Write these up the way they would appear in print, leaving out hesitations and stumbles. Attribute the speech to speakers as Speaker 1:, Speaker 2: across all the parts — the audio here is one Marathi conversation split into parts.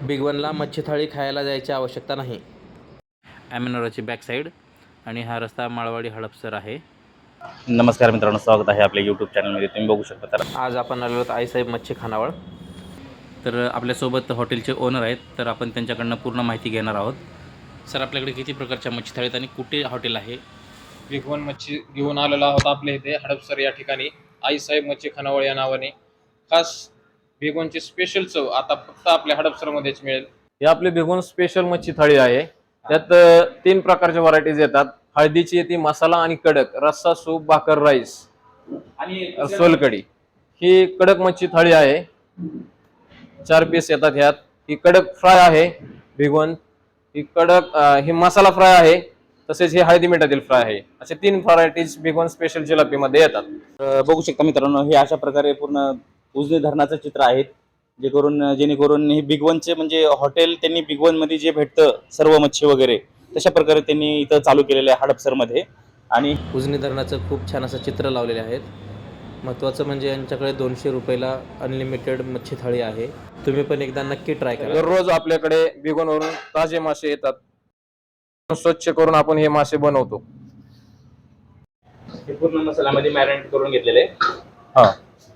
Speaker 1: बिग वनला मच्छी थाळी खायला जायची आवश्यकता नाही. ॲमेनोराची बॅक साईड आणि हा रस्ता माळवाडी हडपसर आहे.
Speaker 2: नमस्कार मित्रांनो, स्वागत आहे आपल्या यूट्यूब चॅनलमध्ये. तुम्ही बघू शकता. तर
Speaker 1: आज आपण आलो आहोत आईसाहेब मच्छी खानावळ. तर आपल्यासोबत हॉटेलचे ओनर आहेत, तर आपण त्यांच्याकडनं पूर्ण माहिती घेणार आहोत. सर, आपल्याकडे किती प्रकारच्या मच्छी थाळी आहेत आणि कुठे हॉटेल आहे?
Speaker 3: बिग वन मच्छी घेऊन आलेला आहोत आपल्या इथे हडपसर या ठिकाणी आईसाहेब मच्छी खानावळ या नावाने. खास बिग वनची स्पेशल चव आता फक्त आपल्या हडपसरमध्येच मिळेल. ही आपली बिग वन स्पेशल मच्छी थाळी आहे. त्यात 3 प्रकारच्या व्हरायटीज येतात. हळदीची येते, मसाला आणि कडक, रस्सा, सूप, भाकर, राईस आणि सोलकढी. ही कडक मच्छी थाळी आहे. 4 पीस येतात ह्यात. ही कडक फ्राय आहे बिग वन. ही कडक ही मसाला फ्राय आहे, तसेच हे हळदी मिठातील फ्राय आहे. असे 3 व्हरायटीज बिग वन स्पेशल जिलापीमध्ये येतात.
Speaker 2: बघू शकता मित्रांनो, हे अशा प्रकारे पूर्ण उजनी धरणाचं चित्र आहे. जेणेकरून हे बिग वनचे म्हणजे हॉटेल त्यांनी बिग वनमध्ये जे भेटतं सर्व मच्छी वगैरे तशा प्रकारे त्यांनी इथं चालू केलेलं आहे हडपसरमध्ये. आणि
Speaker 1: उजनी धरणाचं खूप छान असं चित्र लावलेले आहेत. महत्त्वाचं म्हणजे यांच्याकडे 200 रुपयाला अनलिमिटेड मच्छी थाळी आहे. तुम्ही पण एकदा नक्की ट्राय करा.
Speaker 3: दररोज आपल्याकडे बिग वनवरून ताजे मासे येतात. स्वच्छ करून आपण हे मासे बनवतो.
Speaker 2: हे पूर्ण मसाल्यामध्ये मॅरिनेट करून घेतलेले आहे.
Speaker 3: हा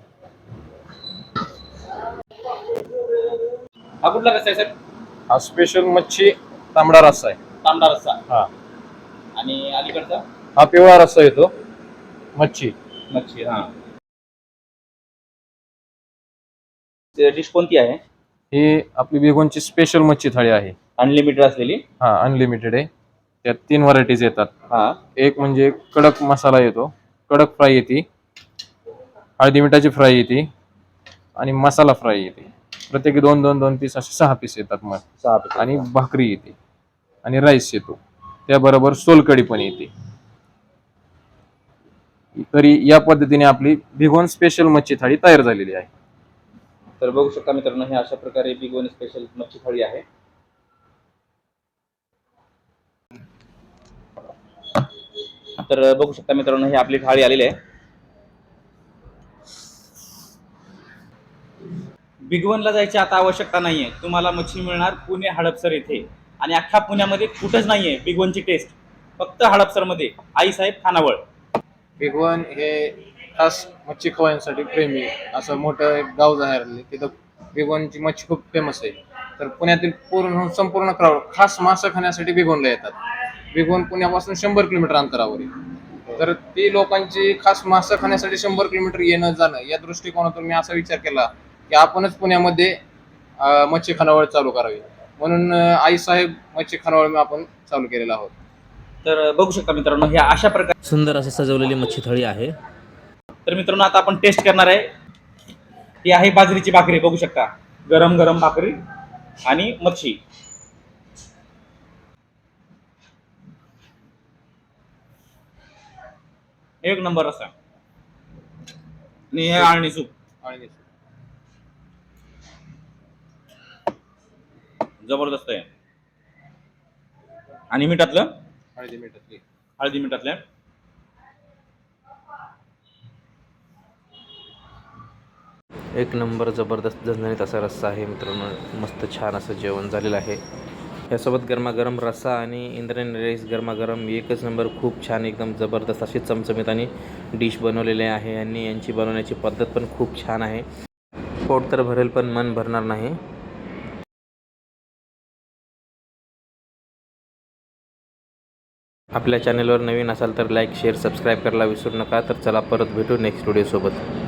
Speaker 2: हा कुठला कसा आहे सर?
Speaker 3: हा स्पेशल मच्छी तांबडा रस्सा आहे.
Speaker 2: तांबडा रस्सा.
Speaker 3: हा
Speaker 2: आणि अलीकडचा
Speaker 3: हा पिवळा रस्सा येतो मच्छी.
Speaker 2: मच्छी. हा, डिश कोणती आहे?
Speaker 3: ही आपली बिग वनची स्पेशल मच्छी थाळी आहे.
Speaker 2: अनलिमिटेड असलेली.
Speaker 3: हा अनलिमिटेड आहे. त्यात 3 व्हरायटीज येतात.
Speaker 2: हा,
Speaker 3: एक म्हणजे कडक मसाला येतो, कडक फ्राय येते, हळदी मिठाची फ्राय येते आणि मसाला फ्राय येते. प्रत्येकी 2 पीस असे 6 पीस येतात मग.
Speaker 2: 6 पीस.
Speaker 3: आणि भाकरी येते आणि राईस येतो. त्याबरोबर सोलकढी पण येते. तरी या पद्धतीने आपली बिग वन स्पेशल मच्छी थाळी तयार झालेली आहे.
Speaker 2: तर बघू शकता मित्रांनो, हे अशा प्रकारे बिग वन स्पेशल मच्छी थाळी आहे. तर बघू शकता मित्रांनो, ही आपली थाळी आलेली आहे. बिग वनला जायची आता आवश्यकता नाहीये. तुम्हाला मच्छी मिळणार पुणे हडपसर येथे. आणि अख्ख्या पुण्यामध्ये कुठंच नाहीये बिग वनची टेस्ट, फक्त हडपसरमध्ये आईसाहेब खानावळ.
Speaker 3: बिग वन हे खास मच्छी खवयांसाठी प्रेमी असं मोठं एक गाव जाहीर. तिथं बिग वनची मच्छी खूप फेमस आहे. तर पुण्यातील संपूर्ण क्राऊड खास मासे खाण्यासाठी बिग वनला येतात. बिग वन पुण्यापासून 100 किलोमीटर अंतरावर आहे. तर ती लोकांची खास मासे खाण्यासाठी 100 किलोमीटर येणं जाणं या दृष्टिकोनातून मी असा विचार केला की आपणच पुण्यामध्ये मच्छी खानावळ चालू करावी. म्हणून आईसाहेब मच्छी खानावळ आपण चालू केलेला आहोत.
Speaker 2: तर बघू शकता मित्रांनो, हे अशा प्रकारे
Speaker 1: सुंदर असं सजवलेली मच्छी थाळी आहे.
Speaker 2: तर मित्रांनो, आता आपण टेस्ट करणार आहे. ही आहे बाजरीची भाकरी. बघू शकता, गरम गरम भाकरी आणि मच्छी. एक नंबर असा. आणि हे आळणी सूप
Speaker 3: आणि
Speaker 2: जबरदस्त आहे. आणि मिठातलं
Speaker 3: हळदी मिठातली
Speaker 2: हळदी मिठातल्या
Speaker 1: एक नंबर जबरदस्त झणझणीत असा रस्सा आहे मित्रांनो. मस्त छान असं जेवण झालेलं आहे. यासोबत गरमागरम रस्सा आणि इंद्रायणी राईस गरमागरम एकच नंबर. खूप छान, एकदम जबरदस्त अशी चमचमीत आणि डिश बनवलेली आहे. आणि यांची बनवण्याची पद्धत पण खूप छान आहे. पोट तर भरेल पण मन भरणार नाही. आपल्या चॅनलवर नवीन असाल तर लाईक, शेअर, सबस्क्राईब करायला विसरू नका. तर चला, परत भेटू नेक्स्ट व्हिडिओसोबत.